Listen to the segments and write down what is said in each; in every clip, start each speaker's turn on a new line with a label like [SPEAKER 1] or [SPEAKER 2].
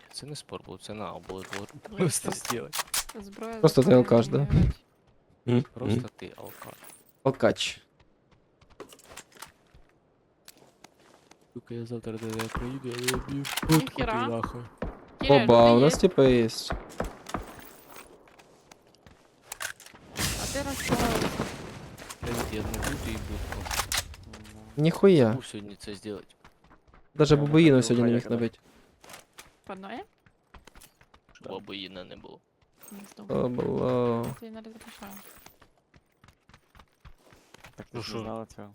[SPEAKER 1] Це не спор був, це наоборот.
[SPEAKER 2] Ну,
[SPEAKER 1] Просто
[SPEAKER 2] естественно.
[SPEAKER 1] сделать.
[SPEAKER 2] Зброя
[SPEAKER 3] Просто ти
[SPEAKER 2] заставляє
[SPEAKER 3] алкаш, да?
[SPEAKER 2] умирати.
[SPEAKER 1] Просто ти алкаш.
[SPEAKER 3] Алкач.
[SPEAKER 1] Сука, я завтра до тебе приїду, я не б'ю.
[SPEAKER 2] Ніхера.
[SPEAKER 1] Нахуй.
[SPEAKER 2] Кіля,
[SPEAKER 3] Оба, у
[SPEAKER 2] люди
[SPEAKER 3] нас
[SPEAKER 2] є?
[SPEAKER 3] типа є.
[SPEAKER 2] А ти розслабився.
[SPEAKER 1] Привіт, я не буду і будку.
[SPEAKER 3] Ніхуя.
[SPEAKER 1] Забув сьогодні це зробити.
[SPEAKER 3] Даже
[SPEAKER 4] Я
[SPEAKER 3] бабуїну
[SPEAKER 4] не
[SPEAKER 3] сьогодні не міг
[SPEAKER 4] хаякера.
[SPEAKER 3] набити.
[SPEAKER 2] Подноє?
[SPEAKER 1] Щоб бабуїна не було.
[SPEAKER 2] Не знаю.
[SPEAKER 3] То було.
[SPEAKER 2] Ти не розрішаю.
[SPEAKER 4] Так
[SPEAKER 1] Ну
[SPEAKER 4] ти ж
[SPEAKER 1] що?
[SPEAKER 4] не знала цього.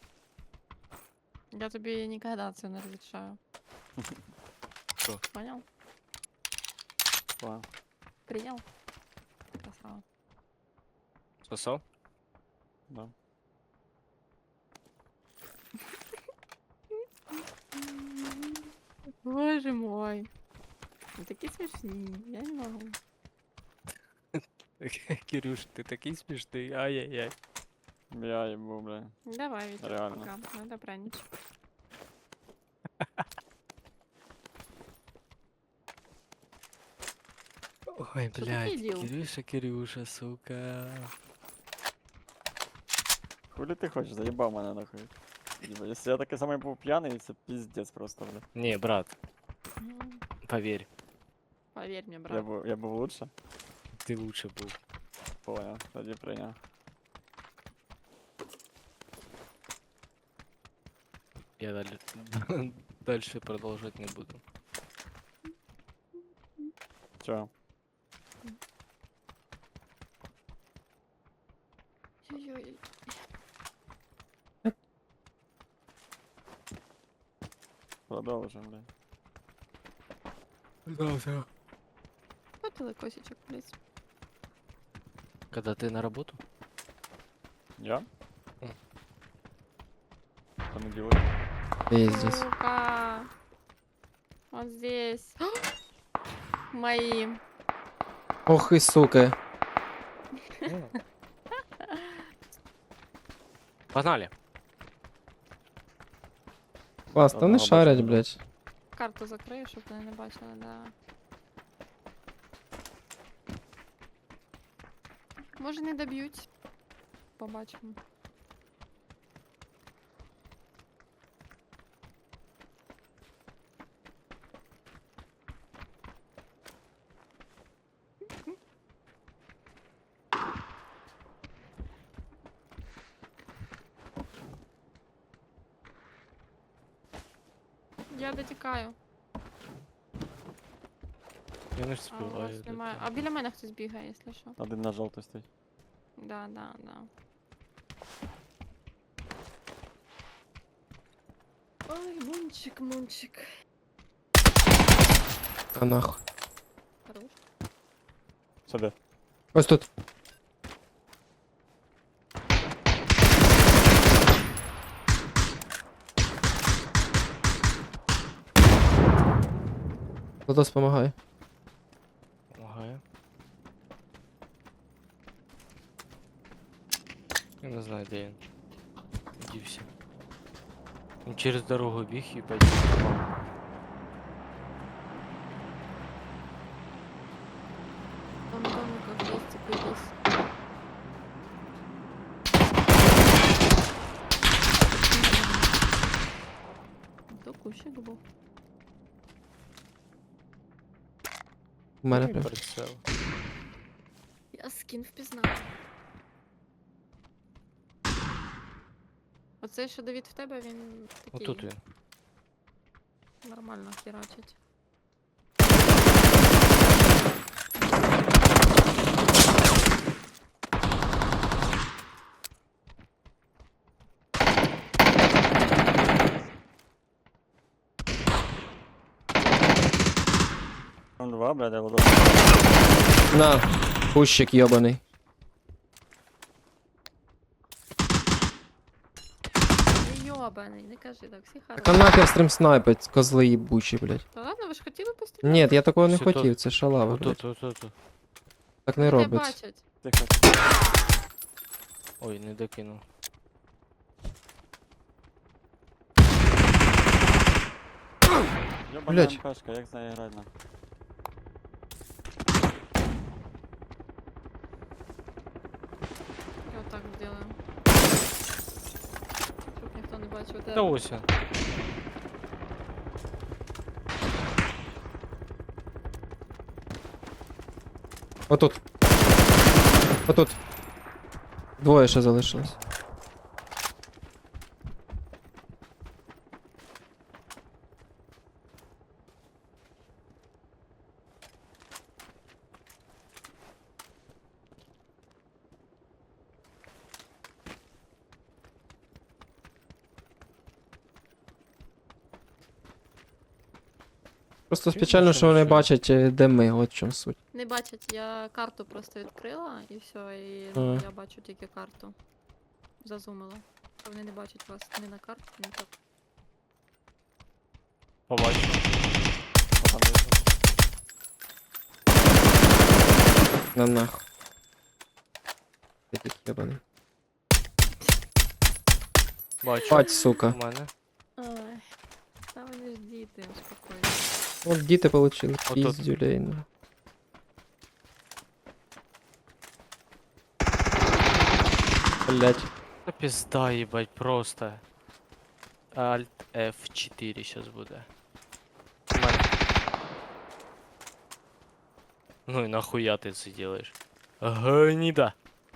[SPEAKER 2] Я тобі ніколи це не розрішаю.
[SPEAKER 1] Що?
[SPEAKER 2] Понял?
[SPEAKER 4] Понял.
[SPEAKER 2] Прийняв? Красава.
[SPEAKER 1] Сосав?
[SPEAKER 4] Да.
[SPEAKER 2] Боже мой. Ви такі смішні, я не можу.
[SPEAKER 1] Кирюш, ти такий смішний, ай-яй-яй.
[SPEAKER 4] Я їбу, бля.
[SPEAKER 2] Давай, Вітя,
[SPEAKER 4] Реально.
[SPEAKER 2] пока. Надо пранич.
[SPEAKER 1] Ой,
[SPEAKER 2] Що
[SPEAKER 1] блядь,
[SPEAKER 2] такий діл?
[SPEAKER 1] Кирюша, Кирюша, сука.
[SPEAKER 4] Хули ти хочеш, заїбав мене нахуй. Єба, якщо я такий самий був п'яний, це піздець просто, бля.
[SPEAKER 1] Не, брат,
[SPEAKER 2] Ну,
[SPEAKER 1] поверь,
[SPEAKER 2] Поверь мне,
[SPEAKER 4] Я
[SPEAKER 2] брат.
[SPEAKER 4] був лучше.
[SPEAKER 1] ти лучше був.
[SPEAKER 4] Понял, тоді прийняв.
[SPEAKER 1] Я далі... дальше продовжувати не буду.
[SPEAKER 4] Чого?
[SPEAKER 2] Ой-ой-ой.
[SPEAKER 4] Продовжуємо, бля.
[SPEAKER 2] Хватило косичек, блядь.
[SPEAKER 1] Когда ты на работу?
[SPEAKER 4] Я?
[SPEAKER 1] М.
[SPEAKER 4] Понеділок.
[SPEAKER 3] Пиздец.
[SPEAKER 2] Сука. Вот здесь. Мои.
[SPEAKER 3] Ох і сука.
[SPEAKER 1] Погнали!
[SPEAKER 3] Клас, та вони
[SPEAKER 4] Одного
[SPEAKER 3] шарять,
[SPEAKER 4] бачу.
[SPEAKER 3] блядь.
[SPEAKER 2] Карту закрию, щоб вони не бачили, да. Може не доб'ють. Побачимо. Я дотікаю.
[SPEAKER 1] Я не
[SPEAKER 2] А у
[SPEAKER 1] співаю.
[SPEAKER 2] вас немає. А біля мене хтось бігає, якщо що.
[SPEAKER 4] Один на жовтий стоїть.
[SPEAKER 2] Да, да, да. Ой, мунчик, мунчик.
[SPEAKER 3] А нахуй.
[SPEAKER 2] Хорош.
[SPEAKER 4] Сюди.
[SPEAKER 3] Ось тут. Лотос помагає.
[SPEAKER 1] Помагаю. Я не знаю, де він. Дівся. Він через дорогу біг і опять попав.
[SPEAKER 2] Там домиков есть, цепились. То кущик був.
[SPEAKER 3] У мене
[SPEAKER 1] Ну, і
[SPEAKER 3] прям.
[SPEAKER 1] прицел.
[SPEAKER 2] Я скін впізнав. Оцей, що Давід в тебе, він такий
[SPEAKER 1] Отут він.
[SPEAKER 2] нормально херачить.
[SPEAKER 4] Там два, бля, де вода.
[SPEAKER 3] На, кущик йобаний.
[SPEAKER 2] Не йобаний, не кажи так, всі
[SPEAKER 3] Та
[SPEAKER 2] хороші.
[SPEAKER 3] нахер стрім снайпить, козли їбучі, блядь.
[SPEAKER 2] Та ладно, ви ж хотіли постріляти?
[SPEAKER 3] Ні, я такого не
[SPEAKER 1] Все тут.
[SPEAKER 3] хотів, це шалава, блядь.
[SPEAKER 1] Отут.
[SPEAKER 3] Так не
[SPEAKER 2] Вони
[SPEAKER 3] робить.
[SPEAKER 2] бачать.
[SPEAKER 4] Тихо.
[SPEAKER 1] Ой, не докинув.
[SPEAKER 4] Йобана
[SPEAKER 3] Блядь.
[SPEAKER 4] МПшка, як з нею грати нахуй.
[SPEAKER 2] бачу
[SPEAKER 1] Та
[SPEAKER 2] тебе.
[SPEAKER 1] ось він.
[SPEAKER 3] Отут. Отут. Двоє ще залишилось. Просто
[SPEAKER 1] Чуєш,
[SPEAKER 3] печально, що вони
[SPEAKER 1] машина?
[SPEAKER 3] бачать, де ми, от в чому суть.
[SPEAKER 2] Не бачать, я карту просто відкрила і все, і ну,
[SPEAKER 3] Ага.
[SPEAKER 2] я бачу тільки карту. Зазумила. Вони не бачать вас ні на карті, ні так.
[SPEAKER 1] Побачив.
[SPEAKER 4] Що там вийшло?
[SPEAKER 3] На нахуй. Ти такий єбаний.
[SPEAKER 1] Бачу.
[SPEAKER 3] Бать, сука.
[SPEAKER 1] У мене.
[SPEAKER 2] Ой. Та вони ж діти, успокойся.
[SPEAKER 3] От діти получили
[SPEAKER 1] Отут.
[SPEAKER 3] піздюлей. Ну. Блять.
[SPEAKER 1] Та пізда, їбать, просто. Alt F4 щас буде. У мене. Ну і нахуя ти це делаєш? Гнида.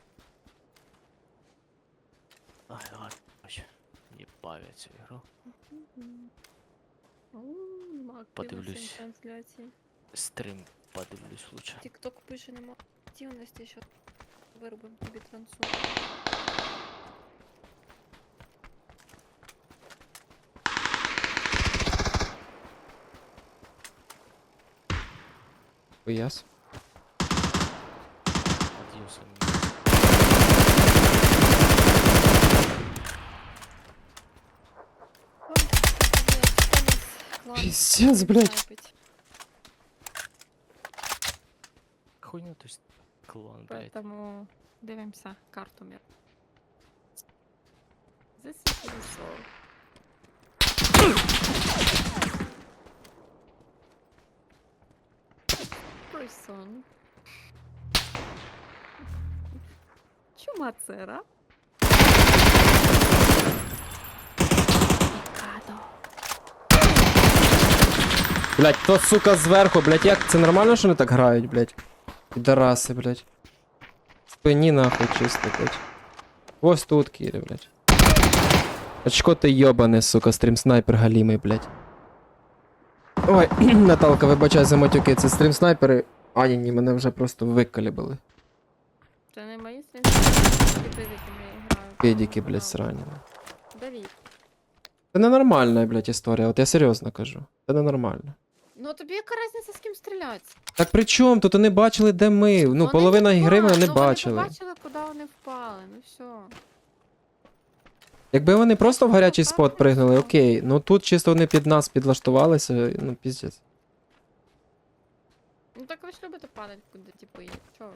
[SPEAKER 1] Ай, ладно, короче. Ебав я цю ігру.
[SPEAKER 2] Нема
[SPEAKER 1] Подивлюсь.
[SPEAKER 2] активності на трансляції.
[SPEAKER 1] Стрім подивлюсь лучше.
[SPEAKER 2] Тікток пише, нема активності, що виробимо тобі трансу.
[SPEAKER 3] Хуяс.
[SPEAKER 1] Адіос, аміго.
[SPEAKER 2] Ой, хто нас клан
[SPEAKER 3] Пиздец, блядь.
[SPEAKER 2] снайпить.
[SPEAKER 1] Хуйня, то есть клан, блядь.
[SPEAKER 2] Поэтому дивимося карту мір. This is the soul. Person. Чумацера. Пікадо.
[SPEAKER 3] Блять, то сука зверху, блять, як це нормально, що вони так грають, блять? Підараси, блять. Спині нахуй чисто, блять. Ось тут, Кірі, блять. Очко ти йобане, сука, стрім снайпер галімий, блять. Ой, Наталка, вибачай за матюки, це стрім снайпери. А, ні, мене вже просто викалібали.
[SPEAKER 2] Це не мої сенсі, якими я граю.
[SPEAKER 3] Педіки, блять, срані.
[SPEAKER 2] Давід.
[SPEAKER 3] Це ненормальна, блять, історія, от я серйозно кажу. Це ненормально.
[SPEAKER 2] Ну тобі яка різниця з ким стріляти?
[SPEAKER 3] Так при чому? Тут вони бачили, де ми. Ну,
[SPEAKER 2] Вони
[SPEAKER 3] половина
[SPEAKER 2] не
[SPEAKER 3] ігри
[SPEAKER 2] впали,
[SPEAKER 3] вони не
[SPEAKER 2] ну,
[SPEAKER 3] бачили.
[SPEAKER 2] Вони побачили, куди вони впали, ну все.
[SPEAKER 3] Якби вони просто в гарячий
[SPEAKER 2] так,
[SPEAKER 3] спот
[SPEAKER 2] так,
[SPEAKER 3] пригнули,
[SPEAKER 2] так.
[SPEAKER 3] окей. Ну тут чисто вони під нас підлаштувалися, ну піздець.
[SPEAKER 2] Ну так ви ж любите падати куди, типу, і чого?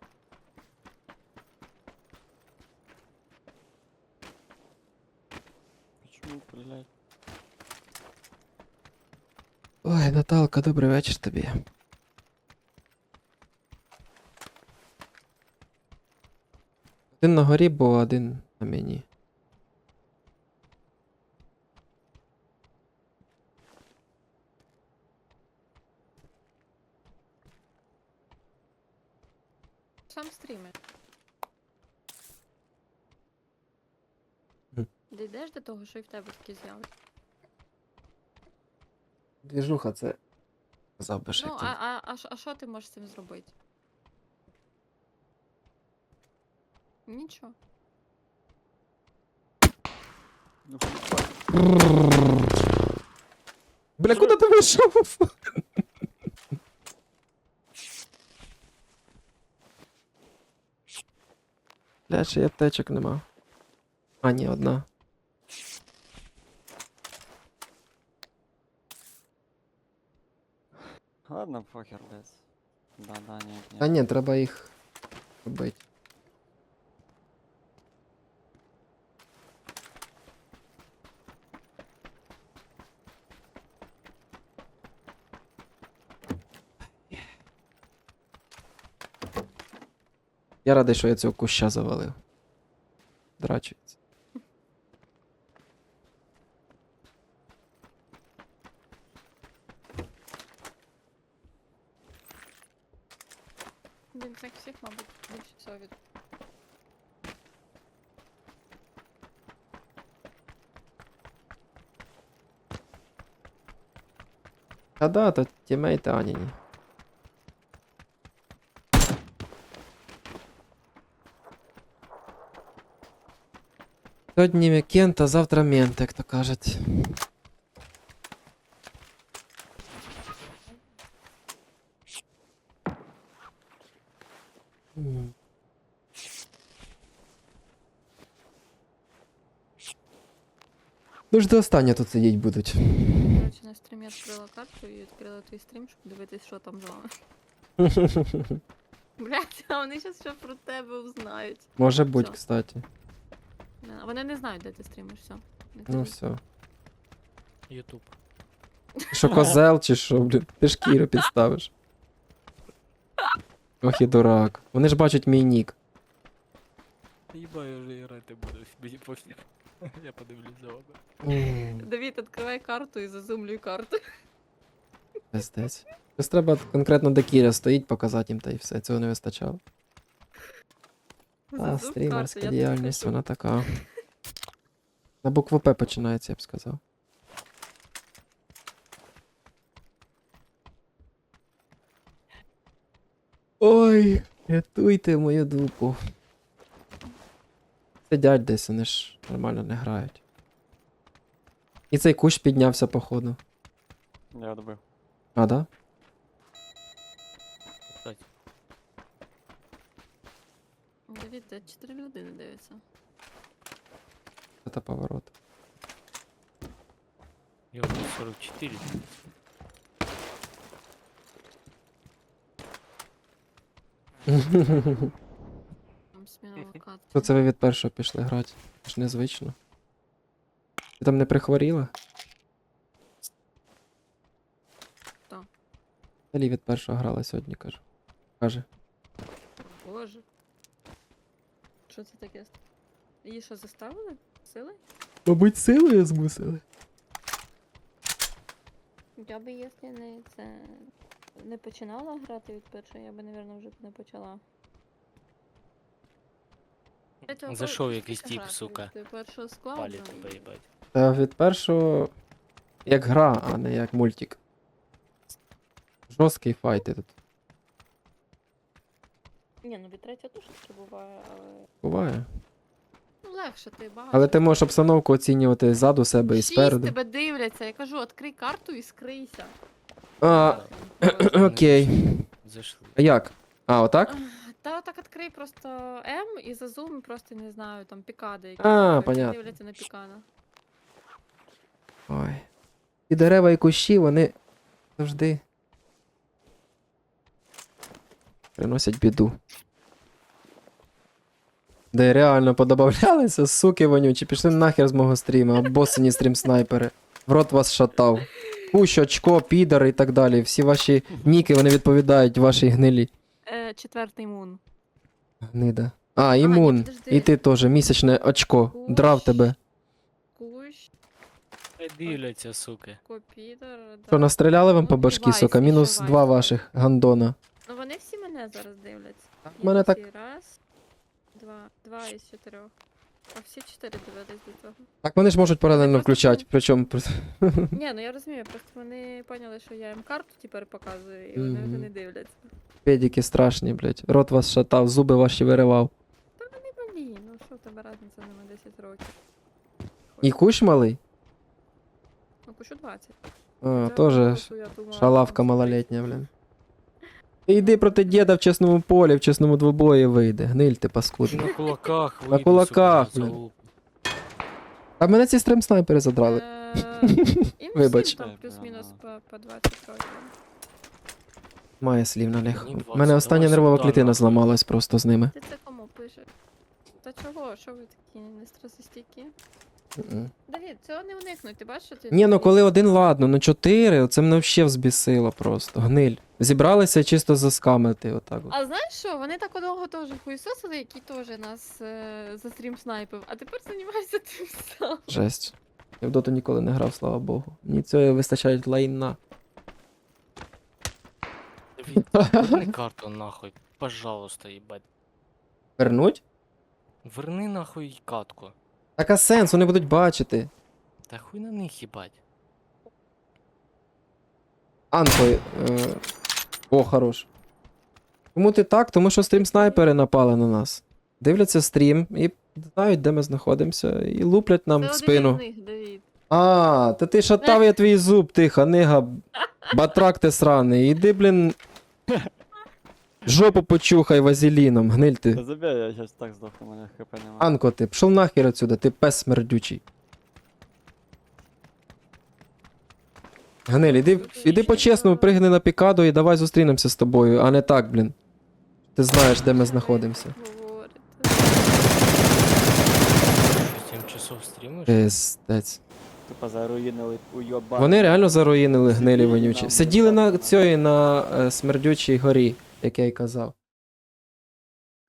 [SPEAKER 4] Почему, блядь?
[SPEAKER 3] Ой, Наталка, добрий вечір тобі. Один на горі був, а один на мені.
[SPEAKER 2] Сам стрімер.
[SPEAKER 3] Мгм.
[SPEAKER 2] Дійдеш до того, що і в тебе такі з'явиться.
[SPEAKER 3] Двіжуха, це. Казав би ще
[SPEAKER 2] Ну,
[SPEAKER 3] хотів.
[SPEAKER 2] а що ти можеш з цим зробити? Нічого.
[SPEAKER 4] Ну, хуй.
[SPEAKER 3] Бля, куди ти вийшов? Бля, ще й аптечок нема. А, ні, одна.
[SPEAKER 4] Ладно, похер, блядь. Да, нет, нет.
[SPEAKER 3] А ні, треба їх робити. Я радий, що я цього куща завалив. Драчується.
[SPEAKER 2] Він з них всіх, мабуть, більше всього від.
[SPEAKER 3] А да, то тімейти Аніні. Сьогодні вікенд, а завтра мент, як то кажуть. М. Ну ж до останнього тут сидіть будуть.
[SPEAKER 2] Коротше, на стрімі відкрила карту і відкрила твій стрім, щоб дивитись, що там з вами. Блять, а вони зараз що про тебе узнають.
[SPEAKER 3] Може бути,
[SPEAKER 2] Всё.
[SPEAKER 3] кстати.
[SPEAKER 2] Вони не знають, де ти стрімиш, все.
[SPEAKER 3] Ну все.
[SPEAKER 1] Ютуб.
[SPEAKER 3] Що козел чи що, блін? Ти ж Кіру підставиш. Ох і дурак. Вони ж бачать мій нік.
[SPEAKER 1] Їба, я вже грати буду, мені пофіг. Я подивлюсь за вами.
[SPEAKER 2] Давід, відкривай карту і зазумлюй карту.
[SPEAKER 3] Пиздець. Щось треба конкретно де Кіря стоїть, показати їм та і все. Цього не вистачало. А,
[SPEAKER 2] Зазум
[SPEAKER 3] стрімерська
[SPEAKER 2] карту, я
[SPEAKER 3] діяльність,
[SPEAKER 2] тобі
[SPEAKER 3] вона така. На букву П починається, я б сказав. Ой, рятуйте мою дупу. Сидять десь, вони ж нормально не грають. І цей кущ піднявся, походу.
[SPEAKER 4] Я добив.
[SPEAKER 3] А, да?
[SPEAKER 1] Кстати,
[SPEAKER 2] кажу. Давід, де 4 людини дивляться.
[SPEAKER 3] Це поворот.
[SPEAKER 1] я вже 44.
[SPEAKER 2] Там сміна локація.
[SPEAKER 3] То це ви від першого пішли грати? Це ж незвично. Ти там не прихворіла?
[SPEAKER 2] Хто?
[SPEAKER 3] Далі від першого грала сьогодні, кажу. Каже.
[SPEAKER 2] Боже. Що це таке? Її що, заставили? Сили?
[SPEAKER 3] Мабуть, силою змусили.
[SPEAKER 2] Я би, якщо не це не починала грати від першого, я би, мабуть, вже б не почала.
[SPEAKER 1] Зайшов якийсь тип, сука.
[SPEAKER 2] Від першого складу.
[SPEAKER 1] Палі тебе їбать.
[SPEAKER 3] Та від першого як гра, а не як мультик. Жорсткий файт тут.
[SPEAKER 2] Ні, ну від третього теж таке буває, але.
[SPEAKER 3] Буває.
[SPEAKER 2] Ну легше, ти багато.
[SPEAKER 3] Але ти можеш обстановку оцінювати ззаду себе і
[SPEAKER 2] Шість
[SPEAKER 3] спереду.
[SPEAKER 2] тебе дивляться, я кажу, відкрий карту і скрийся.
[SPEAKER 3] А, окей.
[SPEAKER 1] Зайшли.
[SPEAKER 3] А як? А, отак?
[SPEAKER 2] Та так відкрий просто М і зазум просто не знаю, там пікади, які
[SPEAKER 3] А,
[SPEAKER 2] які
[SPEAKER 3] понятно.
[SPEAKER 2] дивляться на пікана.
[SPEAKER 3] Ой. І дерева, і кущі, вони завжди приносять біду. Де реально подобавлялися, суки вонючі, пішли нахер з мого стріма, обоссані стрім снайпери. В рот вас шатав. Кущ, очко, підар і так далі. Всі ваші ніки, вони відповідають вашій гнилі.
[SPEAKER 2] Четвертий мун.
[SPEAKER 3] Гнида. А, імун.
[SPEAKER 2] підожди.
[SPEAKER 3] І ти теж, місячне очко. Драв тебе.
[SPEAKER 2] Кущ,
[SPEAKER 1] Хай дивляться, суки.
[SPEAKER 2] копідер, да.
[SPEAKER 3] Що, настріляли вам
[SPEAKER 2] Ну,
[SPEAKER 3] по башки,
[SPEAKER 2] Вайс,
[SPEAKER 3] сука?
[SPEAKER 2] ще
[SPEAKER 3] Мінус
[SPEAKER 2] Вайс,
[SPEAKER 3] 2
[SPEAKER 2] Вайс.
[SPEAKER 3] ваших гандона.
[SPEAKER 2] Ну вони всі мене зараз дивляться.
[SPEAKER 3] в мене так-
[SPEAKER 2] Раз, два із 4. А всі 4 дивились до цього.
[SPEAKER 3] Так вони ж можуть паралельно
[SPEAKER 2] просто
[SPEAKER 3] включати,
[SPEAKER 2] там-
[SPEAKER 3] причому.
[SPEAKER 2] Ні, ну я розумію, просто вони поняли, що я їм карту тепер показую, і вони вже
[SPEAKER 3] Мгм.
[SPEAKER 2] не дивляться.
[SPEAKER 3] Педики страшні, блядь. Рот вас шатав, зуби ваші виривав.
[SPEAKER 2] Не блін, ну що в тебе разниця нема 10 років.
[SPEAKER 3] І кущ малий?
[SPEAKER 2] Ну, кущу 20.
[SPEAKER 3] А,
[SPEAKER 2] Я
[SPEAKER 3] теж
[SPEAKER 2] просто, я думала,
[SPEAKER 3] шалавка
[SPEAKER 2] там
[SPEAKER 3] малолетня, блін. Ти йди проти діда в чесному полі, в чесному двобої вийде. Гниль ти паскудна.
[SPEAKER 1] На кулаках
[SPEAKER 3] На
[SPEAKER 1] вийду,
[SPEAKER 3] кулаках,
[SPEAKER 1] сука, на
[SPEAKER 3] блін.
[SPEAKER 1] залупу.
[SPEAKER 3] А мене ці стрім снайпери задрали.
[SPEAKER 2] Їм
[SPEAKER 3] Вибач.
[SPEAKER 2] всім там плюс-мінус по 20 років.
[SPEAKER 3] Має слів на них.
[SPEAKER 1] Мені
[SPEAKER 3] У
[SPEAKER 1] 20,
[SPEAKER 3] мене остання
[SPEAKER 1] давай
[SPEAKER 3] нервова
[SPEAKER 1] сюди,
[SPEAKER 3] клітина
[SPEAKER 1] нахуй.
[SPEAKER 3] зламалась просто з ними.
[SPEAKER 2] Ти це кому пишеш? Та чого? Що ви такі нестресостійкі?
[SPEAKER 3] Мгм.
[SPEAKER 2] Давід, цього не уникнуть, ти бачиш, що ти...
[SPEAKER 3] Ні, ну коли один, ладно, ну 4, це мене взагалі взбісило просто. Гниль. Зібралися чисто заскамити, отак от.
[SPEAKER 2] А знаєш що, вони так одного теж хуйсосили, який теж нас за стрім снайпив, а тепер займайся тим сам.
[SPEAKER 3] Жесть. Я в доту ніколи не грав, слава Богу. Мені цього вистачає лайна.
[SPEAKER 1] Давід, верни карту нахуй. пожалуйста, їбать.
[SPEAKER 3] Вернуть?
[SPEAKER 1] Верни нахуй катку.
[SPEAKER 3] Так а сенс, вони будуть бачити.
[SPEAKER 1] Та хуй на них їбать.
[SPEAKER 3] Анко. О, хорош. Чому ти так? Тому що стрім снайпери напали на нас. Дивляться стрім і знають, де ми знаходимося, і луплять нам
[SPEAKER 2] Це
[SPEAKER 3] в
[SPEAKER 2] один
[SPEAKER 3] спину.
[SPEAKER 2] із них, Давід.
[SPEAKER 3] А, та ти шатав я твій зуб, ти ханига. Батрак ти сраний. Іди, блін. Жопу почухай вазеліном, гниль
[SPEAKER 4] Та
[SPEAKER 3] ти.
[SPEAKER 4] забей, я щас так здохну, у мене хп нема.
[SPEAKER 3] Анко, ти пішов нахер отсюда, ти пес смердючий. Гниль, іди по-чесному, пригни на пікаду і давай зустрінемося з тобою, а не так, блін. Ти знаєш, де ми знаходимося.
[SPEAKER 2] Говорите.
[SPEAKER 1] 7 часов стрімиш?
[SPEAKER 3] Пиздець.
[SPEAKER 4] Тупо заруїнили уйоба.
[SPEAKER 3] Вони реально заруїнили гнилі
[SPEAKER 4] Сиділи
[SPEAKER 3] вонючі.
[SPEAKER 4] там,
[SPEAKER 3] Сиділи на
[SPEAKER 4] так.
[SPEAKER 3] цій, на смердючій горі, як я й казав.